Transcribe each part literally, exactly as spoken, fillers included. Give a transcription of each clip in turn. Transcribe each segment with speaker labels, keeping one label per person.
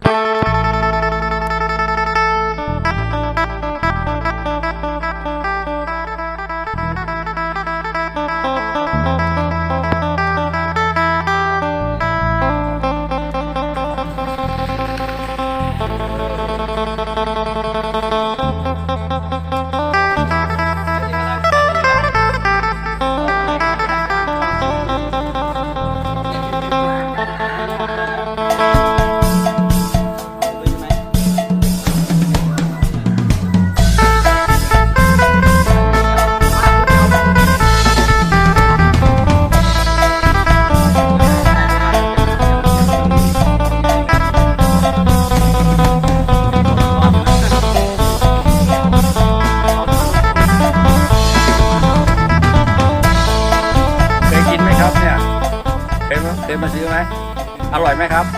Speaker 1: เคยมาซื้อไหมอร่อยไหมครับ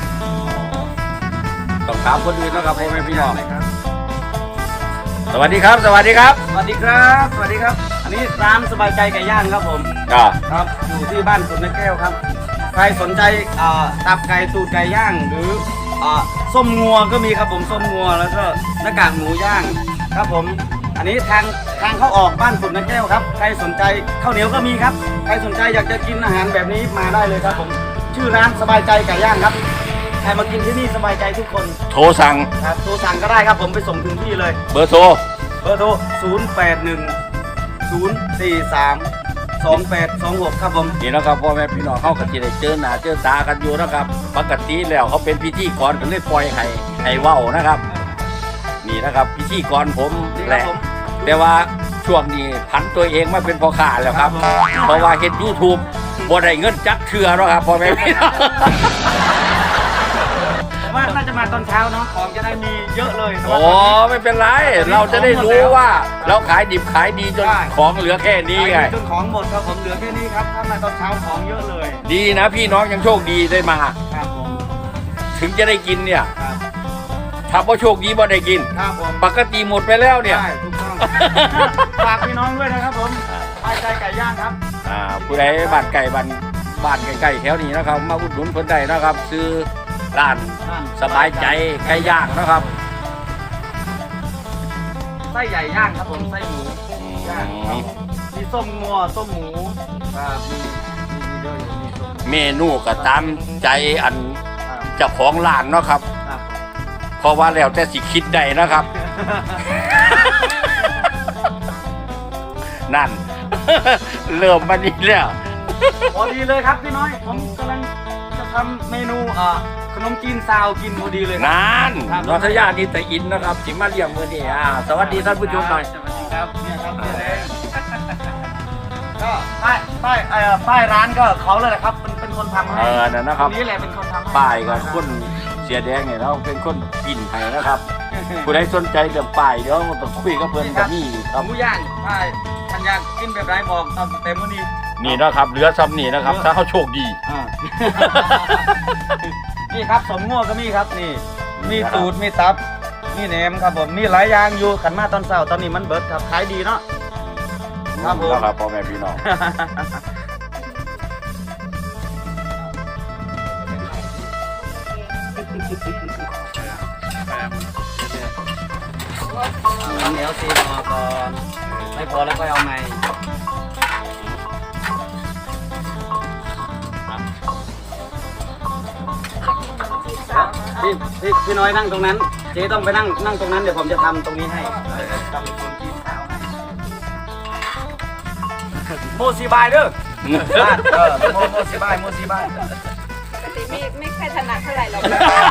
Speaker 1: ต้องถามคนอื่นนะครับพ่อแม่พี่น้องสวัสดีครับสวัสดีครับ
Speaker 2: สวัสดีครับสวัสดีครับอันนี้ร้านสบายใจไก่ย่างครับผมครับอยู่ที่บ้านสุนทรแก้วครับใครสนใจตับไก่ตูดไก่ย่างหรือส้มงัวก็มีครับผมส้มงัวแล้วก็หน้ากากหมูย่างครับผมอันนี้ทางทางเข้าออกบ้านสุนทรแก้วครับใครสนใจข้าวเหนียวก็มีครับใครสนใจอยากจะกินอาหารแบบนี้มาได้เลยครับผมชื่อร้านสบายใจไก่ย่างครับใครมากินที่นี่สบายใจทุกคน
Speaker 1: โทรสั่ง
Speaker 2: ครับโทรสั่งก็ได้ครับผมไปส่งถึงที่เลย
Speaker 1: เบอร์โทร
Speaker 2: เบอร์โทรศูนย์ แปด หนึ่ง ศูนย์ สี่ สาม สอง แปด สอง หกครับผม
Speaker 1: นี่นะครับพ่อแม่พี่น้องเขาก็จะได้เจอหน้าเจอตากันอยู่นะครับปกติแล้วเขาเป็นพิธีกรกันเลยปล่อยให้ให้เว้านะครับนี่นะครับพิธีกรผมแหละแต่ว่าช่วงนี้ผันตัวเองมาเป็นพ่อค้าแล้วครับเพราะว่าเห็น ยูทูบ บ่ได้เงินจักเทื่อแล้วครับพ่อแม่พี่น้อง
Speaker 2: ว่าน่าจะมาตอนเช้าเนาะของจะได้มีเยอะเลย
Speaker 1: โอ้ไม่เป็นไรเราจะได้รู้ว่าเราขายดิบขายดีจนของเหลือแค่นี้ไง
Speaker 2: จนของหมดครับผมเหลือแค่นี้ครับถ้ามาตอนเช้าของเยอะเลย
Speaker 1: ดีนะพี่น้องยังโชคดีได้มา
Speaker 2: ครับผม
Speaker 1: ถึงจะได้กินเนี่ยถ้าว่าโชคดีบ่ได้กิน
Speaker 2: ครับผม
Speaker 1: ปกติหมดไปแล้วเนี่ย
Speaker 2: ใช่ถูกต้องฝากพี่น้องด้วยนะครับผมสบายใจไก่ย่างครับ
Speaker 1: อ่าผู้ใดบ้านไก่บ้านบ้านใกล้ๆแถวนี้นะครับมาอุดหนุนคนใดนะครับซื้อร้านสบายใจไก่ย่างนะครับ
Speaker 2: ไส้ใหญ่ย่างครับผมไส้หมูย่างมีส้มงัวส้มหมูมีมีเยอะอยู่มีส้ม
Speaker 1: เมนูก็ตามใจอันเจ้าของร้านเนาะครับเพราะว่าแล้วแต่สิคิดได้นะครับนั่นเริ่มมาดีแล้ว
Speaker 2: พอดีเลยครับพี่น้อยผมกำลังจะทำเมนูขนมจีนซาวกินพอดีเลย
Speaker 1: นั่นนนทยานิตอินนะครับจิมาเลี้ยงมือนี่อ่าสวัสดีท่านผู้ชมหน่อย
Speaker 2: สวัสดีครับเนี่ยครับเจ๊ก็ป้ายป้ายป้ายร้านก็เขาเลยแหละครับเป็นเป็นคนทำให้
Speaker 1: เออนั่นนะครับ
Speaker 2: นี่แหละเป็นคนทำ
Speaker 1: ป้ายกับคนเสียแดงเนี่ยเราเป็นคนปิ่นให้นะครับผู้ใดสนใจเดี๋ยวป้ายเดี๋ยวต้องคุยกับเพื่อนกับนี่
Speaker 2: ครับหมูย่างป้ายทันยากกินแบบไรบอกตามเต็มวันนี้
Speaker 1: นี่นะครับเหลือซ้ำนี่นะครับถ้าเขาโชคดี
Speaker 2: นี่ครับสมงัวก็มีครับนี่มีตูดมีตับมีแหนมครับผมมีหลายอย่างอยู่ขันมาตอนเช้าตอนนี้มันเบิดครับขายดีเนาะ
Speaker 1: ครับผมครับพ่อแม่พี่น้อง
Speaker 2: เหนียวซีพอก่อนไม่พอแล้วก็เอาใหม่พี่พี่พี่น้อยนั่งตรงนั้นเจ๊ต้องไปนั่งนั่งตรงนั้นเดี๋ยวผมจะทำตรงนี้ให้ทำคนจีนข้าวโมซีบายเด้อบ้านเออโมโมซีบายโมซีบาย
Speaker 3: ไม่ไม่ค่อยถนัดเท่าไหร่หรอก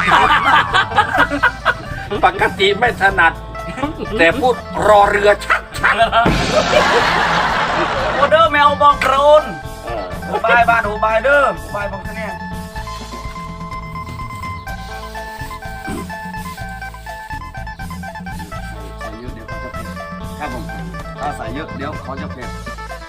Speaker 1: ปกติไม่ถนัดแต่พูดรอเรือชักชัก
Speaker 2: โอเดอร์แมวบองโกรนหูบายบ้านหูบายเด้อหูบายบองเนี่ยครับผมถ้าใส่เยอะเดี๋ยวเขาจะเผ็ด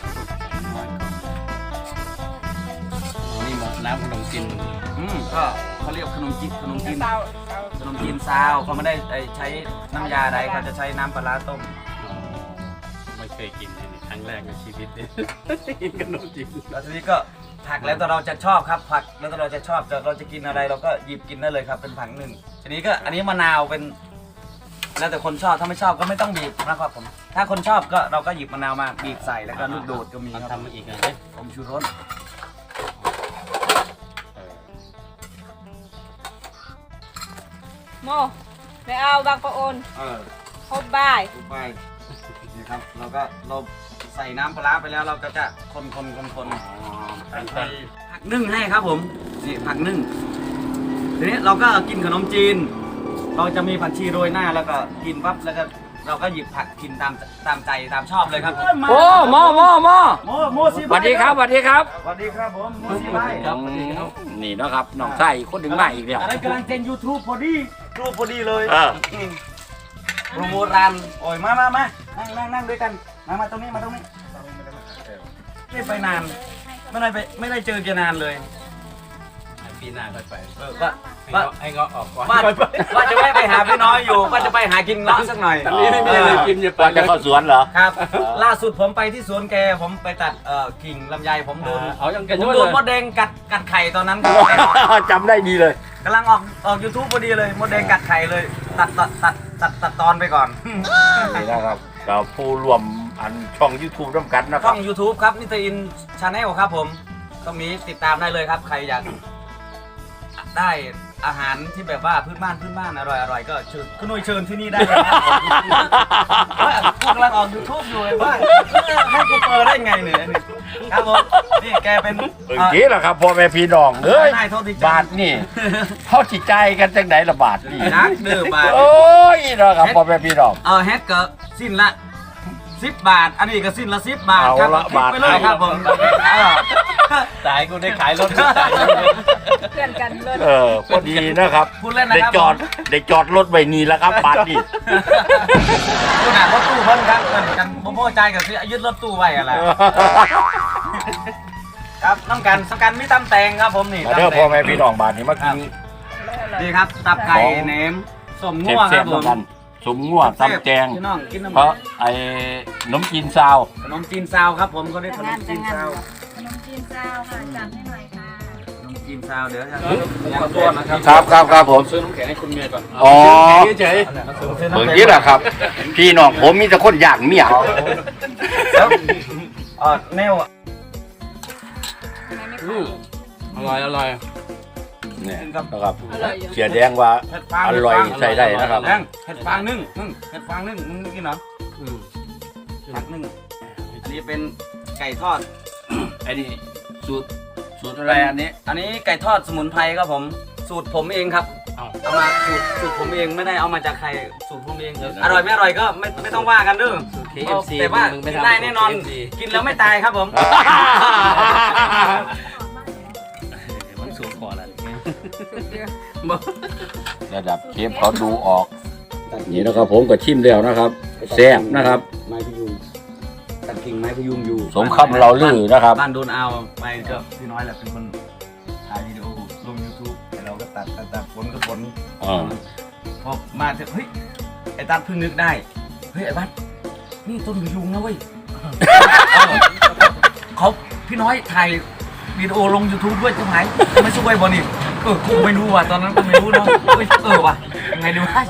Speaker 1: นี่หมดน้ำขนมจีน
Speaker 2: อืมก็เขาเรียกขนมจีนขนมจีนขนมจีนซาวเขาไม่ได้ใช้น้ำยาใดเขาจะใช้น้ำปลาต้ม
Speaker 1: ไม่เคยกินครั้งแรกในชีวิตเลยกินขนมจีน
Speaker 2: แล้วทีนี้ก็ผักแล้วแต่เราจะชอบครับผักแล้วแต่เราจะชอบแต่เราจะกินอะไรเราก็หยิบกินได้เลยครับเป็นผักหนึ่งทีนี้ก็อันนี้มะนาวเป็นแล้วแต่คนชอบถ้าไม่ชอบก็ไม่ต้องบีบนะครับผมถ้าคนชอบก็เราก็หยิบมะนาวมาบีบใส่แล้วก็ลูกโดดก็มีครับ
Speaker 4: ทำมาอีกเลย
Speaker 2: ผมชูรส
Speaker 3: โมไปเอาบางปะโอน
Speaker 2: เออ
Speaker 3: พบบ่าย
Speaker 2: ลงไปนี่ครับเราก็เราใส่น้ำปลาร้าไปแล้วเราก็จะคนคนคนคนผักนึ่งให้ครับผมนี่ผักนึ่งทีนี้เราก็กินขนมจีน เราจะมีผักชีโรยหน้าแล้วก็กินปั๊บแล้วก็เราก็หยิบผักกินตามตามใจตามชอบเลยครับ
Speaker 1: โอ้หมอหมอหมอ
Speaker 2: โมโมซี
Speaker 1: สวัสดีครับสวัสดีครับ
Speaker 2: สวัสดีครับผมโมซีไบ
Speaker 4: ครับสวัสดีครับ
Speaker 1: นี่เนาะครับน้องไส้คนถึงมาอีกแล้ว
Speaker 2: อันนั้นกำลังเจนยูทูบพอดีรูปพอดีเลย
Speaker 1: เออ
Speaker 2: มโปรโมทร้านโอ้ยมามามานั่งนั่งนั่งด้วยกันมามาตรงนี้มาตรงนี้ไม่ไปนานไม่ได้ไปไม่ได้เจอแกนานเลย
Speaker 4: ปีหน้าค่อยไป
Speaker 2: เออว่า
Speaker 4: ให้
Speaker 2: ว่า
Speaker 4: เงาะให้เงาะออกก่อน
Speaker 2: ว่าว่าจะแวะไปหาพี่น้อยอยู่ว่าจะไปหากินเงาะสักหน่อย
Speaker 4: อันนี้ไม่มีอะไรกินอย่าไป
Speaker 1: ว่าจะเข้าสวนเหรอ
Speaker 2: ครับ ล่าสุดผมไปที่สวนแกผมไปตัดเอ่อกิ่งลำไยผมโดน
Speaker 4: เอายัง
Speaker 2: ผ
Speaker 4: กัน
Speaker 2: ม
Speaker 4: ด้วย
Speaker 2: โด
Speaker 4: เล
Speaker 2: น
Speaker 4: ย
Speaker 2: มดแดงกัดกัดไข่ตอนนั้น
Speaker 1: จำได้ดีเลย
Speaker 2: กำลังออกออกยูทูบพอดีเลยมดแดงกัดไข่เลย ตัดตัดตัดตัดตัดตอนไปก่อน
Speaker 1: นี่นะครับเราผู้รวมอันช่อง YouTube ร่วมกันนะค
Speaker 2: ช่
Speaker 1: รั
Speaker 2: อบ ง YouTube ครับนิตอินชาแนลครับผมก็มีติดตามได้เลยครับใครอยากได้อาหารที่แบบว่าพื้นบ้านพื้นบ้านอร่อยอร่อยก็เชิญคุณหนุ่ยเชิญที่นี่ได้เลยครับว่าพวกกำลังออก YouTube อยู่เลยว่าให้กูเปิดได้ไงเนี่ยนี่ครับผมนี่แกเป็น
Speaker 1: เมื่อกี้แหละครับพ่อแม่พี่น้องเอ้ย
Speaker 2: ได้โทษที
Speaker 1: บาทนี่เขาจิตใจกันจังไหนละบาทนี่
Speaker 2: นักเดือบาท
Speaker 1: โอ้ยเนาะครับพ่อแม่พี่น้อง
Speaker 2: เออแฮกก็สิ้นละสิบบาท อันนี้ก็สิ้นละสิบบาท
Speaker 1: เอา
Speaker 2: ครับ
Speaker 1: ละบาท
Speaker 2: ไปเลยครับผมเออ
Speaker 4: ตายกูได้ขายรถตาย
Speaker 3: เพื่อนกันเลย
Speaker 1: เออพอดีนะครับ
Speaker 2: พูดเล่นนะ
Speaker 1: ได้
Speaker 2: ครับ
Speaker 1: จอดได้จอดรถไว้นี่แล้วครับบาทนี่
Speaker 2: คุณอ่านรถตู้เพิ่นครับเพิ่นกันบ่พอใจกับที่ยึดรถตู้ไว้อะไรครับน้ำกันน้ำกันมีตำแตงครับผมนี่
Speaker 1: มาเด้อ
Speaker 2: ตำแต
Speaker 1: พ่อง แม่พี่น้องบาทนี่มากิน
Speaker 2: นี่ครับตับไก่แหนมสม
Speaker 1: เ
Speaker 2: ง่วง
Speaker 1: สี
Speaker 2: ค
Speaker 1: ย
Speaker 2: รั
Speaker 1: บบ ๆ
Speaker 2: ผ
Speaker 1: เหมือ
Speaker 2: ม
Speaker 1: นกันสมง่วงตำแจง
Speaker 2: พี่น้องกินน้ำ
Speaker 1: เพราะไอ้ขนมจีนซาว
Speaker 2: ขนมจีนซาวครับผมเขาเรียกขนมจีนซาว
Speaker 3: ขนมจีนเจ้าค่ะจัดให้หน่อยค่ะ
Speaker 2: ขนมจีนซาวเดี๋ยวจะ
Speaker 4: ขอโทษนะครับ
Speaker 1: ครับครับครับผม
Speaker 4: ซื้อน้ำแข็งให้คุณเมียก่อน
Speaker 1: อ๋อ
Speaker 4: เฉย
Speaker 1: เมื่อกี้แหละครับ พี่น้องผมมีแต่คนอยากเมีย
Speaker 2: แล้วเออแนว
Speaker 3: ทำไมไม่
Speaker 4: ๆอื
Speaker 3: ขาย
Speaker 4: มอร่อยอร่อย
Speaker 1: เนี่ยนะครับ
Speaker 3: อร่อยอยู่
Speaker 1: เสียแดงว่า
Speaker 2: เห็ดฟาง
Speaker 1: อร่อยใส่ได้นะครับ
Speaker 2: แดงเห็ดฟางนึ่งนึ่งเห็ดฟางนึ่งมึงไม่กินเหรอ
Speaker 4: อืม
Speaker 2: ผักนึ่งอันนี้เป็นไก่ทอด
Speaker 1: ไอ้นี่สูตรสูตรอะไรอันนี้
Speaker 2: อันนี้ไก่ทอดสมุนไพรครับผม สูตรผมเองครับ
Speaker 4: เอา
Speaker 2: เอามาสูตรสูตรผมเองไม่ได้เอามาจากใครสูตรผมเองอร่อยไม่อร่อยก็ไม่ไม่ต้องว่ากันเด้อ
Speaker 4: เคเอฟซี
Speaker 2: แต่ว่า
Speaker 4: มึงไม่
Speaker 2: กิน
Speaker 4: ทำ
Speaker 2: ได้แน่นอน
Speaker 4: เคเอฟซี
Speaker 2: กินแล้วไม่ตายครับผม
Speaker 4: มันสูงขอแล้ว
Speaker 1: ระดับเชฟเขาดูออก นี่นะครับผมก็ชิมแล้วนะครับแซ่บนะครับ
Speaker 2: ไม้พยุงตัดกิ่งไม้พยุงอยู่
Speaker 1: สมคำเราลือนะครับ
Speaker 2: บ้านโดนเอาไปก็พี่น้อยแหละเป็นคนถ่ายวิดีโอลง YouTube แต่เราก็ตัดตัดตัดฝนก็ฝน
Speaker 1: อ่า
Speaker 2: พอมาเถอะเฮ้ยไอ้ตัดเพิ่งนึกได้เฮ้ยไอ้บัสนี่ต้นพยุงนะเว้ยเขาพี่น้อยถ่ายวิดีโอลง YouTube ด้วยใช่ไหมไม่ช่วยบอนี่เออกูไม่รู้ว่ะตอนนั้นกูไม่รู้เนาะเฮ้ยเออว่ะยังไงดีวะ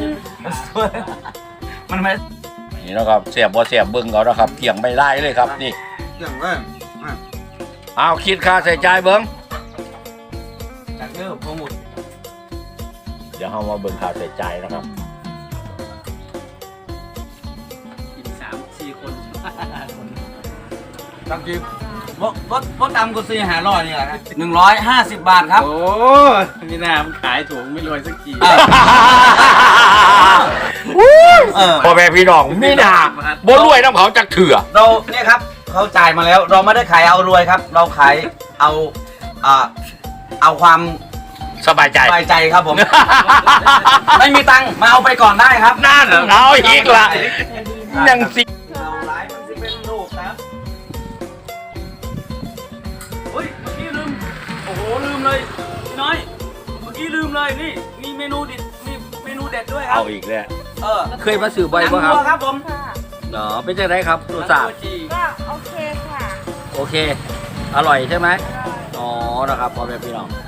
Speaker 2: มันไม่
Speaker 1: นี่นะครับเสียบบ่เสียบเบิ้งเอานะครับเกี่ยงไม่ได้เลยครับนี่
Speaker 2: อย่างว่า
Speaker 1: เอาคิดค่าใส่ใจายเบิ้ง
Speaker 2: จากเดิมโปรโมท
Speaker 1: เดี๋ยวเรามาเบิ้งค่าใส่ใจายนะครับ
Speaker 4: กินสามสี่คน
Speaker 2: ตังกีรถรถรถดำกูซีหาร้อยนี่แหละหนึ่งร้อยห้าสิบบาทครับ
Speaker 4: โอ้มีหน้ามันขายถูกไม่รวยสักที
Speaker 2: เออ
Speaker 1: พ่อแม่พี่น้องมีหนาบ่รวยน้ำเขาจักเถื่อ
Speaker 2: เราเนี่ยครับเขาจ่ายมาแล้ว เราไม่ได้ขายเอารวยครับ เราขายเอาอ่าเอาความ
Speaker 1: สบายใจ
Speaker 2: สบายใจครับผม ไม่มีตังค์มาเอาไปก่อนได้ครับ
Speaker 1: นั่นเอาอีกละยังสิ
Speaker 2: เราไลฟ์มันจะเป็นลูกครับเฮ้ยเมื่อกี้ลืมโอ้โหลืมเลยพี่น้อยเมื่อกี้ลืมเลยนี่มีเมนูเด็ดมีเมนูเด็ดด้วยครับ
Speaker 1: เอาอีกแล้ว
Speaker 2: เออ
Speaker 1: เคยมาสื่อบ่อย
Speaker 2: หนัง
Speaker 1: ป่ะครับ
Speaker 2: วัวครับผม
Speaker 3: ค่ะ
Speaker 1: เนาะเป็นจังไดครับรสชาติ
Speaker 2: ตัวจี
Speaker 3: ก็โอเคค่ะ
Speaker 1: โอเค อร่อยใช่ไหม
Speaker 3: อร่อย
Speaker 1: นะครับพ่อแม่พี่น้อง